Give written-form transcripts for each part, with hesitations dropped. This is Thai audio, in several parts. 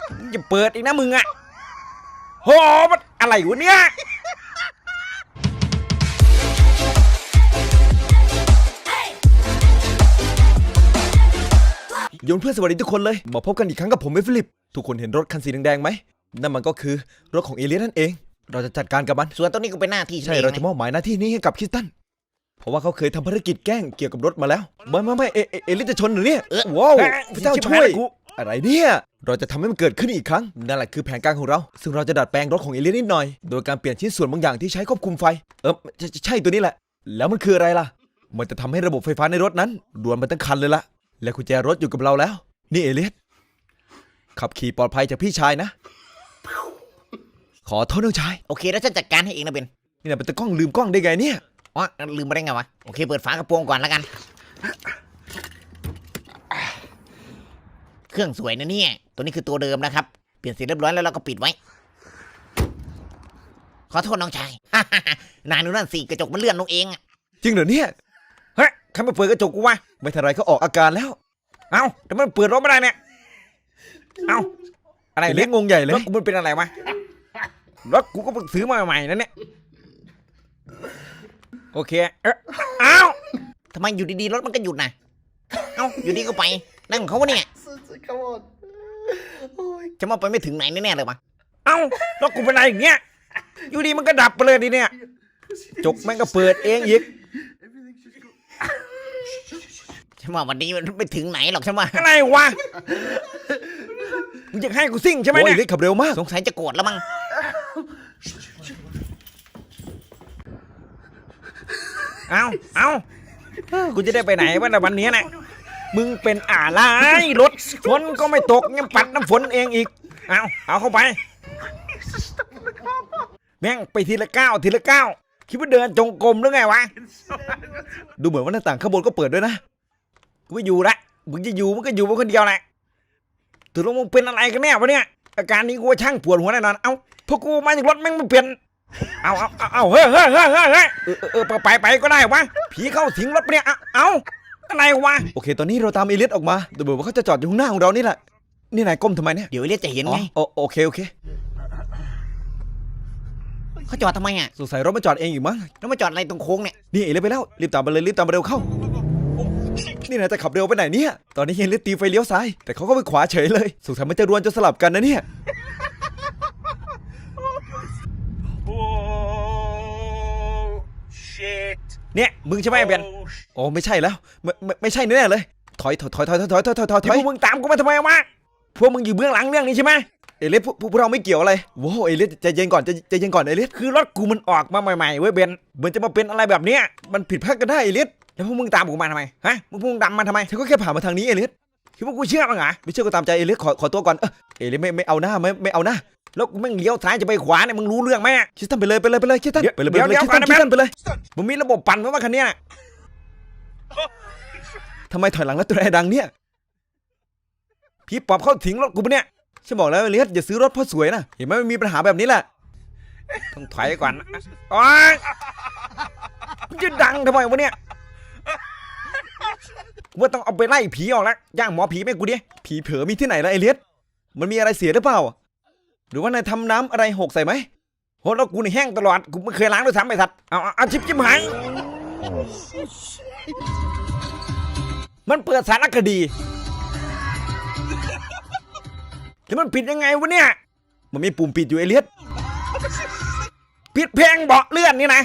อย่าเปิดอีกนะมึงอะโหมันอะไรวะเนี่ยโยนเพื่อนสวัสดีทุกคนเลยมาพบกันอีกครั้งกับผมเอฟิลิปทุกคนเห็นรถคันสีแดงๆไหมนั่นมันก็คือรถของเอเลียนนั่นเองเราจะจัดการกับมันส่วนตัวนี้ก็เป็นหน้าที่ใช่เราจะมอบหมายหน้าที่นี้ให้กับคริสตันเพราะว่าเขาเคยทำภารกิจแกล้งเกี่ยวกับรถมาแล้วไม่เอเลียนจะชนหรือเนี่ยว้าวพระเจ้าช่วยอะไรเนี่ยเราจะทำให้มันเกิดขึ้นอีกครั้งนั่นแหละคือแผนการของเราซึ่งเราจะดัดแปลงรถของเอเลียนนิดหน่อยโดยการเปลี่ยนชิ้นส่วนบางอย่างที่ใช้ควบคุมไฟใช่ตัวนี้แหละแล้วมันคืออะไรล่ะมันจะทำให้ระบบไฟฟ้าในรถนั้นด่วนมาตั้งคันเลยล่ะและกุญแจรถอยู่กับเราแล้วนี่เอเลียนขับขี่ปลอดภัยจากพี่ชายนะขอโทษน้องชายโอเคแล้วฉันจัดการให้เองนะเบนนี่นะเป็นตะกล้องลืมกล้องได้ไงเนี่ยอ๋อลืมมาได้ไงวะโอเคเปิดฝากระโปรงก่อนแล้วกันเครื่องสวยนะเนี่ยตัวนี้คือตัวเดิมนะครับเปลี่ยนสีเรียบร้อยแล้วเราก็ปิดไว้ขอโทษน้องชาย นายดูนั่นสิกระจกมันเลื่อนลงเองจริงเหรอเนี่ยเฮ้ยใครมาเปิดกระจกกูวะไม่ทันไรก็ออกอาการแล้วเอ้าแต่มันเปิดรถไม่ได้เนี่ยเอ้าอะไรเลี้ยงงงใหญ่เลยรถกูมันเป็นอะไรวะรถกูก็เพิ่งซื้อมาใหม่ๆนั่นเนี่ยโอเคเอ้าทำไมอยู่ดีๆรถมันก็หยุดนะเอ้าอยู่ดีก็ไปนั่นของเขาวะเนี่ยจะมาไปไม่ถึงไหนแน่ๆเลยวะเอ้ารถกูเป็นอะไรอย่างเงี้ยอยู่ดีมันก็ดับไปเลยดิเนี่ยจกแม่งก็เปิดเองอีกฉันว่าวันนี้มันไม่ถึงไหนหรอกฉันว่าอะไรวะมึงจะให้กูซิ่งใช่ไหมเนี่ยขับเร็วมากสงสัยจะโกรธแล้วมั้งเอากูจะได้ไปไหนวะในวันนี้นะมึงเป็นอะไรรถฝนก็ไม่ตกยังปัดน้ำฝนเองอีกเอาเข้าไปแม่งไปทีละก้าวคิดว่าเดินจงกรมหรือไงวะดูเหมือนว่าหน้าต่างข้างบนก็เปิดด้วยนะกูไม่อยู่ละมึงจะอยู่มึงก็อยู่คนเดียวแหละถือว่ามึงเป็นอะไรกันแน่วะเนี่ยอาการนี้กูว่าช่างปวดหัวแน่นอนพวกกูมาจากรถแม่งไม่เปลี่ยนเฮ้ยไปก็ได้วะผีเข้าสิงรถเนี่ยอะไรวะโอเคตอนนี้เราตามเอเลียสออกมาดูเหมือนว่าเขาจะจอดอยู่ข้างหน้าของเรานี่แหละนี่นายก้มทำไมเนี่ยเดี๋ยวเอเลียสจะเห็นไงโอเคเขาจอดทำไมสงสัยรถมาจอดเองอยู่มั้งแล้วมาจอดอะไรตรงโค้งเนี่ยนี่เอเลียสไปแล้วรีบตามมาเลยรีบตามมาเร็วเข้านี่นายจะขับเร็วไปไหนเนี่ยตอนนี้เอเลียสตีไฟเลี้ยวซ้ายแต่เขาก็ไปขวาเฉยเลยสงสัยมันจะรวนจนสลับกันนะเนี่ยเนี่ยมึงใช่ไหมเบนโอ้ไม่ใช่แล้วไม่ใช่แน่เลยถอยพวกมึงตามกูมาทำไมวะพวกมึงอยู่เบื้องหลังเรื่องนี้ใช่ไหมเอเลียสพวกเราไม่เกี่ยวอะไรว้าวเอเลียสใจเย็นก่อนใจเย็นก่อนเอเลียสคือรถกูมันออกมาใหม่ๆเว้ยเบนเหมือนจะมาเป็นอะไรแบบเนี้ยมันผิดพลาดกันได้เอเลียสแล้วพวกมึงตามกูมาทำไมฮะพวกมึงดำมาทำไมฉันก็แค่ผ่านมาทางนี้เอเลียสคิดว่ากูเชื่อมั้งเหรอไม่เชื่อก็ตามใจเอเลียสขอตัวก่อนเอเลียสไม่เอาหน้าไม่เอาหน้าแล้วมึงเลี้ยวซ้ายจะไปขวาเนี่ยมึงรู้เรื่องไหมคิดตั้งไปเลยคิดตั้งไปเลยคิดตั้งไปเลยมึงมีระบบปั่นไหมว่าคันนี้ทำไมถอยหลังแล้วตัวแอร์ดังเนี่ยพี่ปอบเข้าถิงรถกูปะเนี่ยฉันบอกแล้วเอเลียสอย่าซื้อรถเพราะสวยนะเห็นไหมมันมีปัญหาแบบนี้แหละต้องถอยก่อนโอ๊ยมันจะดังทำไมวะเนี่ยว่าต้องเอาไปไล่ผีออกแล้วย่างหมอผีแม่กูดิผีเผลอมีที่ไหนล่ะเอเลียสมันมีอะไรเสียหรือเปล่าหรือว่านายทำน้ำอะไรหกใส่ไหมโหแล้วกูนี่แห้งตลอดกูไม่เคยล้างด้วยซ้ำไอ้สัตว์เอาชิบหายมันเปิดสารคดีแล้วมันปิดยังไงวะเนี่ยมันมีปุ่มปิดอยู่เอเลียสปิดเพลงเบาะเลื่อนนี่นะ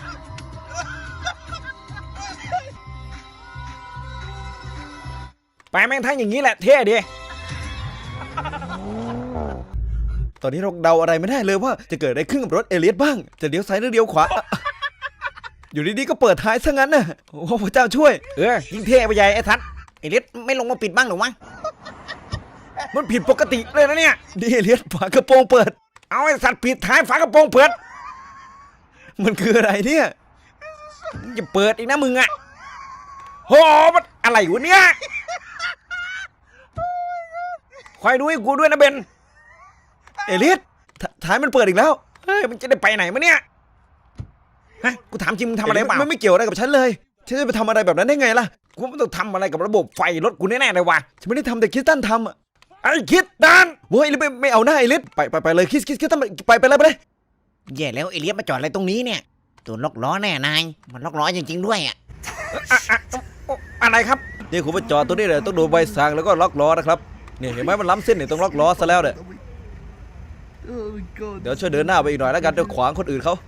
ไปแม่งทั้งอย่างนี้แหละเท่ดีตอนนี้เราเดาอะไรไม่ได้เลยว่าจะเกิดอะไรขึ้นกับรถเอเลียสบ้างจะเลี้ยวซ้ายหรือเลี้ยวขวาอยู่ดีๆก็เปิดท้ายซะงั้นน่ะโอ้พระเจ้าช่วยยิ่งเท่ไปใหญ่ไอ้ทัศน์เอเลียสไม่ลงมาปิดบ้างหรือวะมันผิดปกติเลยนะเนี่ยดิเอเลียสฝากระโปรงเปิดเอาไอ้สัตว์ปิดท้ายฝากระโปรงเปิดมันคืออะไรเนี่ยอย่าเปิดอีกนะมึงอะโหมันอะไรวะเนี่ยคอยดูให้กูด้วยนะเบนเอเลียสท้ายมันเปิดอีกแล้วเฮ้ยมันจะได้ไปไหนมาเนี่ยฮะกูถามจริงมึงทำอะไรเปล่าไม่เกี่ยวอะไรกับฉันเลยฉันจะไปทำอะไรแบบนั้นได้ไงล่ะกูไม่ต้องทำอะไรกับระบบไฟรถกูแน่ๆเลยวะฉันไม่ได้ทำแต่คิดตั้นทำไอ้คิดดานโว้ยไม่เอาหน้าไอ้ลิศไปเลยคิดทำไมไปเลยแย่แล้วเอเลียสมาจอดอะไรตรงนี้เนี่ยตัวล็อกล้อแน่นายมันล็อกล้อจริงๆด้วยอ่ะอะไรครับนี่คุณมาจอดตัวนี้เลยต้องดูใบสั่งแล้วก็ล็อกล้อนะครับเนี่ยเห็นไหมมันล้ำเส้นเนี่ยต้องล็อกล้อซะแล้วเนี่ยเดี๋ยวช่วยเดินหน้าไปอีกหน่อยแล้วกันเดี๋ยวขวางคนอื่นเขา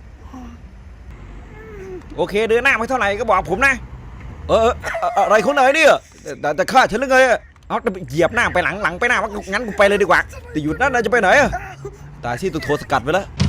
โอเคเดินหน้าไม่เท่าไหร่ก็บอกผมนะอะไรของนายเนี่ยแต่ฆ่าฉันหรือไงเอาเหยียบหน้าไปหลังไปหน้างั้นกูไปเลยดีกว่าแต่หยุดนั่นนายจะไปไหนอะตายที่ตัวโทรสกัดไปแล้ว